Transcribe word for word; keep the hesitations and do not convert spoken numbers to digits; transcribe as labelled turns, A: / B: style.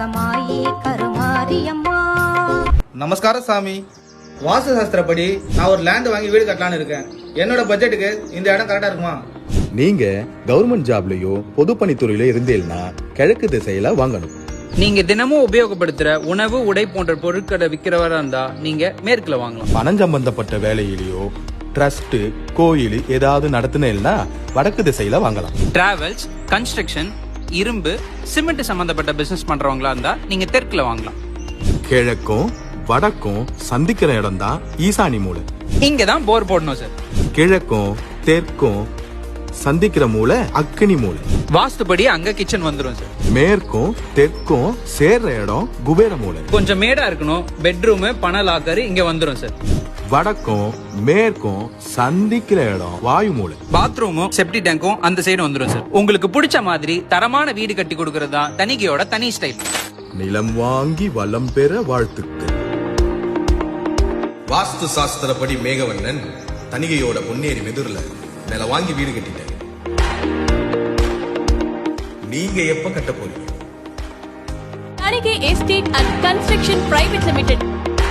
A: கனகமாயி கருமாரியம்மா.
B: நமஸ்காரம் சாமி. வாஸ்து சாஸ்திரப்படி நான் ஒரு லேண்ட் வாங்கி வீடு கட்டலான்னு இருக்கேன். என்னோட பட்ஜெட்டுக்கு இந்த இடம் கரெக்டா இருக்குமா?
C: நீங்க கவர்மெண்ட் ஜாப்லயோ பொதுப்பணித்துறையில இருந்தீங்கன்னா கிழக்கு திசையில வாங்கணும்.
D: நீங்க தினமும் உபயோகப்படுத்துற உணவு உடை போன்ற பொருட்களை விற்கிறவரா இருந்தா நீங்க மேற்குல வாங்கலாம்.
C: பணம் சம்பந்தப்பட்ட வேலையிலயோ ட்ரஸ்ட் கோயில் ஏதாவது நடத்துனேன்னா வடக்கு திசையில வாங்கலாம்.
D: டிராவல்ஸ், கன்ஸ்ட்ரக்ஷன், இரும்பு, சிமெண்ட் சம்பந்தப்பட்ட பிசினஸ் பண்றவங்களா இருந்தா நீங்க தெற்குல வாங்கலாம்.
C: கிழக்கும் வடக்கும் சந்திக்கிற இடம் தான் ஈசானி மூலை.
D: இங்க தான் போர் போடணும் சார்.
C: கிழக்கும் தெற்கும் சந்திக்கிற மூலை அக்னி மூலை.
D: வாஸ்துபடி அங்க கிச்சன் வந்துரும் சார்.
C: மேற்கும் தெற்கும் சேர்ற இடம் குபேர மூலை.
D: கொஞ்சம் மேடா இருக்கணும். பெட்ரூம், பண லாக்கர் இங்க வந்துரும் சார்.
C: வடக்கும் மேற்கும் சந்திக்கிற இடம் வாயு மூலை.
D: பாத்ரூமும் செப்டி டேங்கும் அந்த சைடு வந்துரும் சார். உங்களுக்கு பிடிச்ச மாதிரி தரமான வீடு கட்டி கொடுக்கறது தான் தனிகையோட தனி ஸ்டைல்.
C: நிலம் வாங்கி வளம் பெற வாழ்த்துக்கள்.
E: வாஸ்து சாஸ்திரப்படி மேகவண்ணன் தனிகையோட பொன்னேரி மெதுர்ல நில வாங்கி வீடு கட்டிட்டாரு. நீங்க எப்ப கட்ட போறீங்க?
F: Thanigai estate and construction private limited.